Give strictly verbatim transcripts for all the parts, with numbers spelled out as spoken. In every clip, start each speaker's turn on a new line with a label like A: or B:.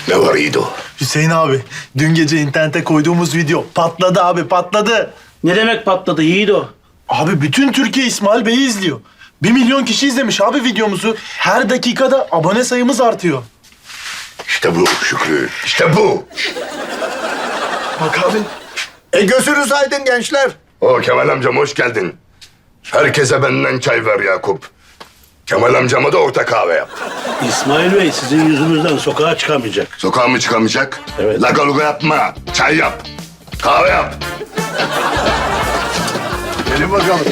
A: Ne var İdo?
B: Hüseyin abi, dün gece internete koyduğumuz video patladı abi, patladı.
C: Ne demek patladı Yiğido?
B: Abi bütün Türkiye İsmail Bey'i izliyor. Bir milyon kişi izlemiş abi videomuzu. Her dakikada abone sayımız artıyor.
A: İşte bu Şükrü, işte bu.
B: Bak abi.
D: E gözünüz aydın gençler.
A: O Kemal amcam hoş geldin. Herkese benden çay ver Yakup. Kemal amcama da orta kahve yap.
C: İsmail Bey sizin yüzünüzden sokağa çıkamayacak.
A: Sokağa mı çıkamayacak?
C: Evet.
A: Lagaluga yapma. Çay yap. Kahve yap. Gelin bakalım.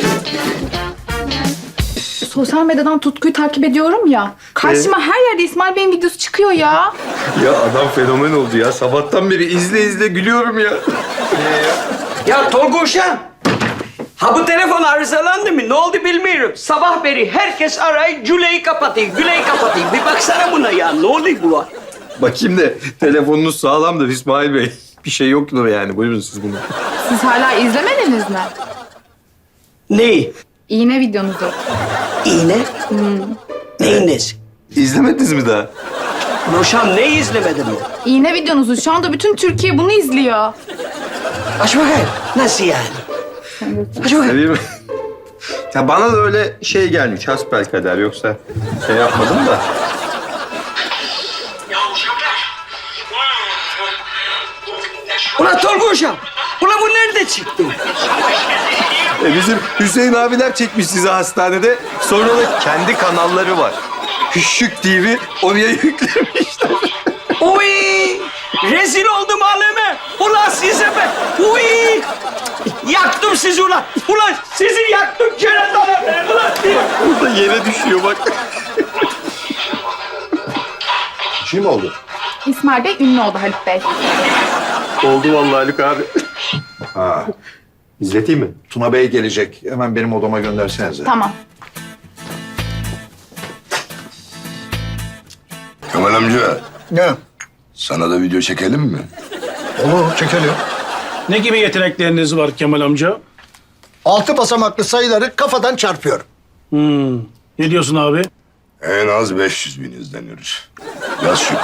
E: Sosyal medyadan Tutku'yu takip ediyorum ya. Karşıma her yerde İsmail Bey'in videosu çıkıyor ya.
F: Ya adam fenomen oldu ya. Sabahtan beri izle izle gülüyorum ya.
G: Ya Tolga Uşağım, ha bu telefon arızalandı mı? Ne oldu bilmiyorum. Sabah beri herkes arayıp Güle'yi kapatayım, Güle'yi kapatayım. Bir baksana buna ya, ne oluyor bu?
F: Bakayım da telefonunuz sağlamdır İsmail Bey. Bir şey yoktur yani. Buyurun siz bunu.
E: Siz hala izlemediniz mi?
G: Neyi?
E: İğne videonuzu.
G: İğne? Hmm. Ne iğnesi?
F: İzlemediniz mi daha?
G: Uşağım ne izlemedin mi?
E: İğne videonuzu. Şu anda bütün Türkiye bunu izliyor.
G: Aç bakayım. Nasıl yani? Aç bakayım.
F: Değil mi? Ya bana da öyle şey gelmiş. Hasbelkader. Yoksa şey yapmadım da.
G: Ulan Tolga Uşağım, ulan bu nerede çıktı?
F: E bizim Hüseyin abiler çekmiş sizi hastanede. Sonra da kendi kanalları var. Hüşşük T V oraya yüklemişler.
G: Uy! Rezil oldum aleme. Ulan size ben. Uy! Yaktım sizi ulan. Ulan sizi yaktım keratalar ben ulan.
F: Burada yere düşüyor bak.
D: Kim oldu?
E: İsmail Bey ünlü oldu Halit Bey.
F: Oldu vallahi Haluk abi.
D: Ha,
F: İzleteyim mi?
D: Tuna Bey gelecek. Hemen benim odama göndersenize.
E: Tamam.
A: Kemal amca,
D: Ne?
A: sana da video çekelim mi?
D: Olur, çekelim.
C: Ne gibi yetenekleriniz var Kemal amca?
D: Altı basamaklı sayıları kafadan çarpıyorum.
C: Hmm. Ne diyorsun abi?
A: En az beş yüz bin izleniyoruz. Yaz Şükrü.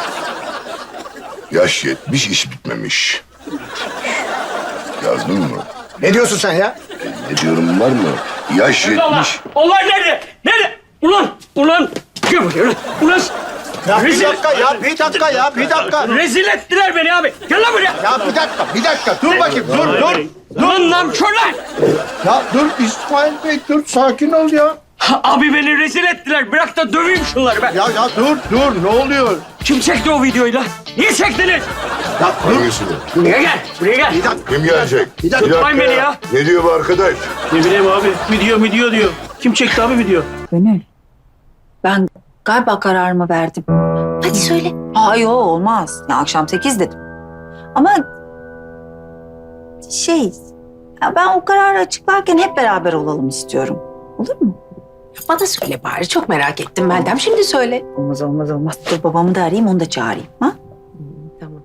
A: Yaş yetmiş, iş bitmemiş. Yazdın mı?
D: Ne diyorsun sen ya?
A: Ne diyorum var mı? Yaş yetmiş.
G: Olay nerede? Nerede? Ulan! Ulan! Gel buraya ulan! Ulan!
D: Ya bir
G: Rezil-
D: dakika ya, bir dakika ya, bir dakika.
G: Rezil ettiler beni abi. Gel lan buraya.
D: Ya bir dakika, bir dakika. Dur bakayım, dur, dur.
G: Lan namkörler!
D: Ya dur İsmail Bey, dur. Sakin ol ya.
G: Abi beni rezil ettiler. Bırak da döveyim şunları ben.
D: Ya ya dur, dur. Ne oluyor?
G: Kim çekti o videoyu lan? Niye çektiniz?
D: Ya dur.
A: Hangisini?
G: Buraya gel. Buraya gel.
D: Bir dakika.
A: Kim gelecek?
D: Bir dakika.
G: Tutmayın beni ya.
A: Ne diyor bu arkadaş?
C: Ne bileyim abi. Video video diyor. Kim çekti abi video?
H: Gönül, ben galiba kararımı verdim.
I: Hadi söyle.
H: Hayır olmaz. Ya akşam sekiz dedim. Ama şey, ya ben o kararı açıklarken hep beraber olalım istiyorum. Olur mu?
I: Bana söyle bari. Çok merak ettim Meltem. Şimdi söyle.
H: Olmaz olmaz olmaz. Dur babamı da arayayım, onu da çağırayım. Ha?
I: Tamam.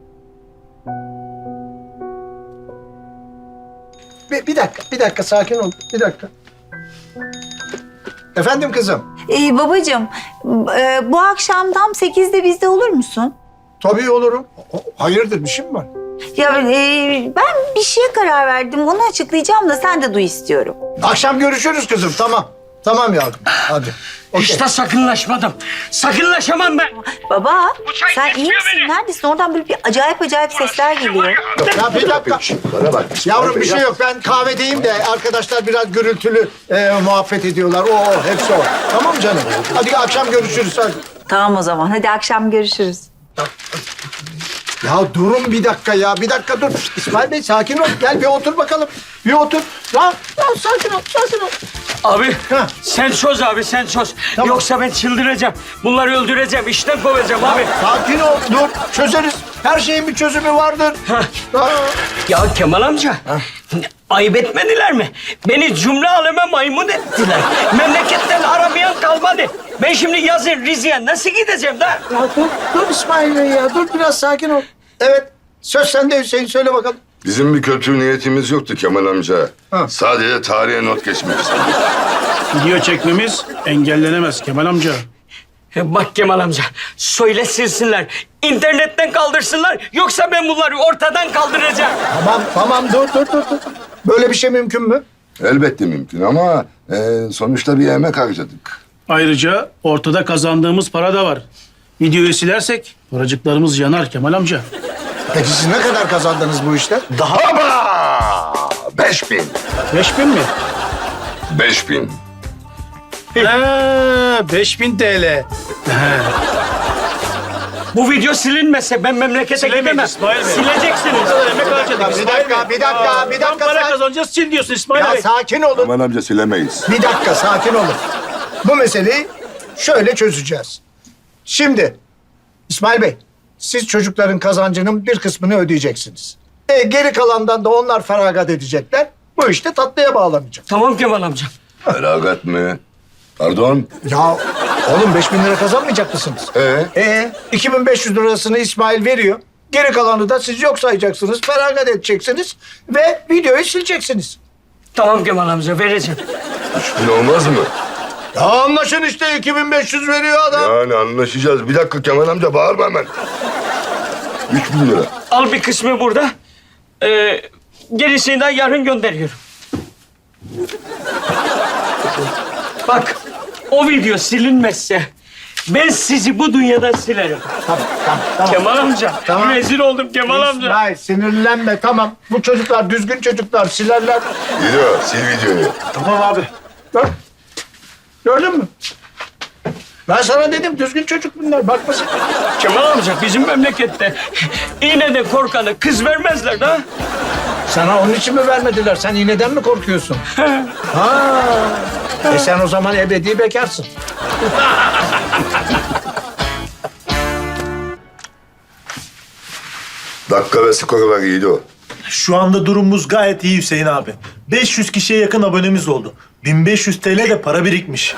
D: Bir, bir dakika, bir dakika. Sakin ol. Bir dakika. Efendim kızım.
H: Ee, babacığım, e, bu akşam tam sekizde bizde olur musun?
D: Tabii olurum. O- Hayırdır, bir şey mi var?
H: Ya e, ben bir şeye karar verdim. Onu açıklayacağım da sen de duy istiyorum.
D: Akşam görüşürüz kızım, tamam. Tamam yavrum, hadi. Okey.
G: İşte sakınlaşmadım. Sakınlaşamam ben.
H: Baba,
G: çay
H: sen iyi
G: geçmiyor
H: misin?
G: beni.
H: Neredesin? Oradan böyle bir acayip acayip sesler geliyor.
D: Ya bir dakika.
A: Bana bak.
D: Yavrum bir şey yok. Ben kahvedeyim de arkadaşlar biraz gürültülü e, muhabbet ediyorlar. O, o, hepsi o. Tamam canım. Hadi akşam görüşürüz hadi.
H: Tamam o zaman. Hadi akşam görüşürüz.
D: Ya durun bir dakika ya. Bir dakika dur. İsmail Bey sakin ol. Gel bir otur bakalım. Bir otur. Ya, ya sakin ol, sakin ol.
G: Abi
D: Heh.
G: sen çöz abi sen çöz.
D: Tamam.
G: Yoksa ben çıldıracağım. Bunları öldüreceğim. İşten kovacağım abi.
D: Sakin ol, dur. Çözeriz. Her şeyin bir çözümü vardır. Ha.
G: Ya Kemal amca. Ayıp etmediler mi? Beni cümle aleme maymun ettiler. Memleketten aramayan kalmadı. Ben şimdi yazın Rize'ye nasıl gideceğim da?
D: Ya dur, dur İsmail Bey ya. Dur biraz sakin ol. Evet. Söz sende Hüseyin. Söyle bakalım.
A: Bizim bir kötü niyetimiz yoktu Kemal amca.
D: Ha.
A: Sadece tarihe not geçmek istedik.
C: Video çekmemiz engellenemez Kemal amca.
G: Bak Kemal amca, söyle silsinler. İnternetten kaldırsınlar, yoksa ben bunları ortadan kaldıracağım.
D: Tamam tamam dur dur dur. dur. Böyle bir şey mümkün mü?
A: Elbette mümkün ama e, sonuçta bir emek harcadık.
C: Ayrıca ortada kazandığımız para da var. Videoyu silersek paracıklarımız yanar Kemal amca.
D: Peki siz ne kadar kazandınız bu işten?
A: Ama beş bin.
C: Beş bin mi?
A: Beş bin.
C: Ha, beş bin T L.
G: Bu video silinmese ben memlekete
C: Silemeyiz
G: gidemem.
C: İsmail Bey.
G: Sileceksiniz.
C: Emek harcadık.
D: Bir dakika, bir dakika, bir
C: Tam
D: dakika.
C: para
D: Sakin,
C: kazanacağız, sil diyorsun İsmail
D: ya
C: Bey.
D: sakin olun.
A: Aman amca silemeyiz.
D: Bir dakika, sakin olun. Bu meseleyi şöyle çözeceğiz. Şimdi İsmail Bey, siz çocukların kazancının bir kısmını ödeyeceksiniz. E, geri kalandan da onlar feragat edecekler. Bu işte tatlıya bağlanacak.
G: Tamam Kemal amca.
A: Feragat mı? Pardon.
D: Ya oğlum beş bin lira kazanmayacak mısınız?
A: Ee?
D: Ee, iki bin beş yüz lirasını İsmail veriyor. Geri kalanı da siz yok sayacaksınız, feragat edeceksiniz ve videoyu sileceksiniz.
G: Tamam Kemal amca, vereceğim.
A: Üç bin olmaz mı?
D: Ya anlaşın işte iki bin beş yüz veriyor adam.
A: Yani anlaşacağız. Bir dakika Kemal amca bağırma hemen. Üç bin lira.
G: Al bir kısmı burada. Ee, gerisini de yarın gönderiyorum. Bak, o video silinmezse ben sizi bu dünyadan silerim.
D: Tamam, tamam, tamam.
G: Kemal amca,
D: Tamam.
G: rezil oldum Kemal amca.
D: İsmail sinirlenme tamam. Bu çocuklar düzgün çocuklar silerler.
A: Video, sil videoyu.
D: Tamam abi. Gör. Gördün mü? Ben sana dedim düzgün çocuk bunlar. Bakma sen.
G: Kemal amca, bizim memlekette iğneden korkanı kız vermezler da.
D: Sana onun için mi vermediler? Sen iğneden mi korkuyorsun? ha. E sen o zaman ebedi bekarsın.
A: Dakika ve skoru var iyiydi o.
B: Şu anda durumumuz gayet iyi Hüseyin abi. beş yüz kişiye yakın abonemiz oldu. bin beş yüz T L de para birikmiş.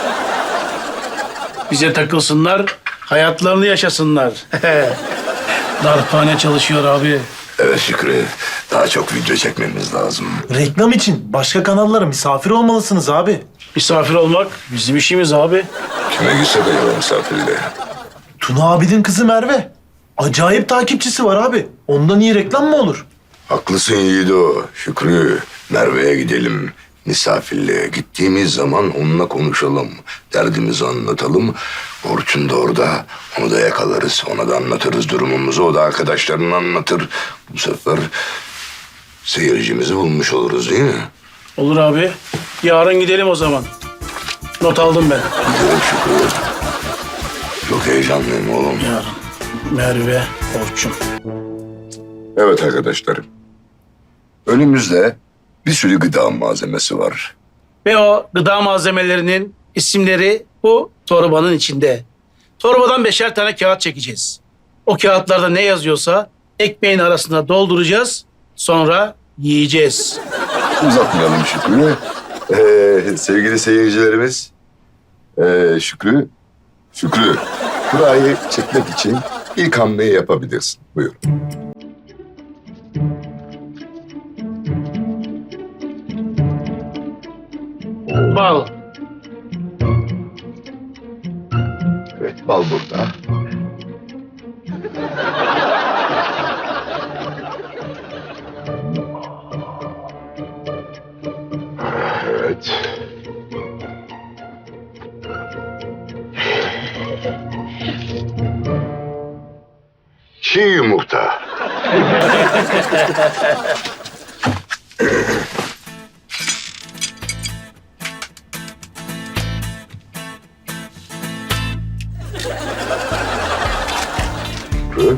C: Bize takılsınlar, hayatlarını yaşasınlar. Darphane çalışıyor abi.
A: Evet Şükrü. Daha çok video çekmemiz lazım.
B: Reklam için başka kanallara misafir olmalısınız abi.
C: Misafir olmak bizim işimiz abi.
A: Kime gitse de yalan misafirle.
B: Tuna abinin kızı Merve. Acayip takipçisi var abi. Ondan iyi reklam mı olur?
A: Haklısın Yiğido. Şükrü, Merve'ye gidelim. Misafirliğe gittiğimiz zaman onunla konuşalım. Derdimizi anlatalım. Orçun da orada. Onu da yakalarız. Ona da anlatırız durumumuzu. O da arkadaşlarına anlatır. Bu sefer seyircimizi bulmuş oluruz değil mi?
C: Olur abi. Yarın gidelim o zaman. Not aldım ben.
A: Gidelim Şükrü. Çok heyecanlıyım oğlum.
C: Yarın. Merve, Orçun.
A: Evet arkadaşlarım. Önümüzde bir sürü gıda malzemesi var.
C: Ve o gıda malzemelerinin isimleri bu torbanın içinde. Torbadan beşer tane kağıt çekeceğiz. O kağıtlarda ne yazıyorsa ekmeğin arasına dolduracağız. Sonra yiyeceğiz.
A: Uzatmayalım Şükrü. Ee, sevgili seyircilerimiz. Ee, Şükrü. Şükrü. Kurayı çekmek için ilk hamleyi yapabilirsin. Buyur.
C: Bal.
A: Evet, bal burada. Evet. Çiğ yumurta. Şükrü.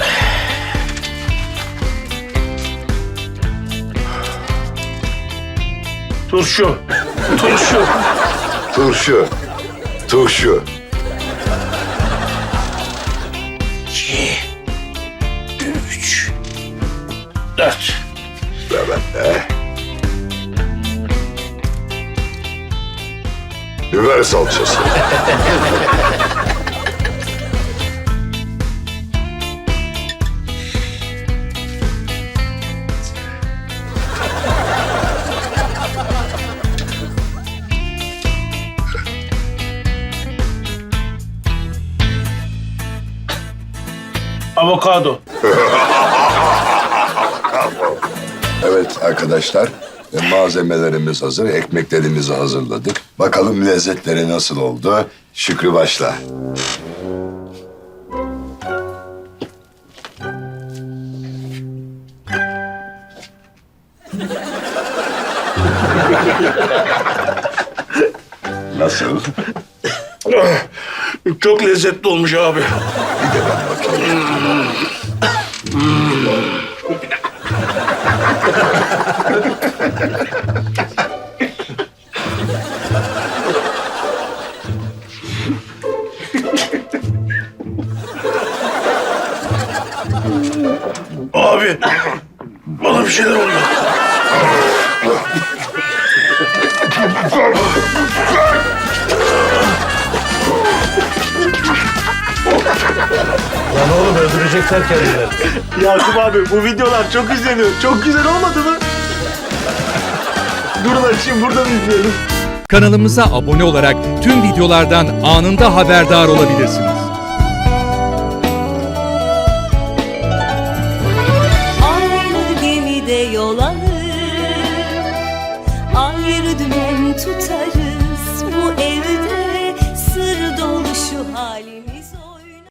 C: Turşu. Turşu.
A: Turşu. Turşu.
C: Üç. Dört.
A: Evet de. Biber salçası.
C: Avokado.
A: Evet arkadaşlar, e, malzemelerimiz hazır, ekmeklerimizi hazırladık. Bakalım lezzetleri nasıl oldu? Şükrü başla. Nasıl?
C: Çok lezzetli olmuş abi.
A: Bir de ben bakayım.
C: Abi bana bir şeyler oluyor.
B: Yakup abi bu videolar çok izleniyor. Çok güzel olmadı mı? Durun açayım buradan izleyelim.
J: Kanalımıza abone olarak tüm videolardan anında haberdar olabilirsiniz.
K: Aynı gemide yol alır, ayrı dümen tutarız. Bu evde sır dolu şu halimiz.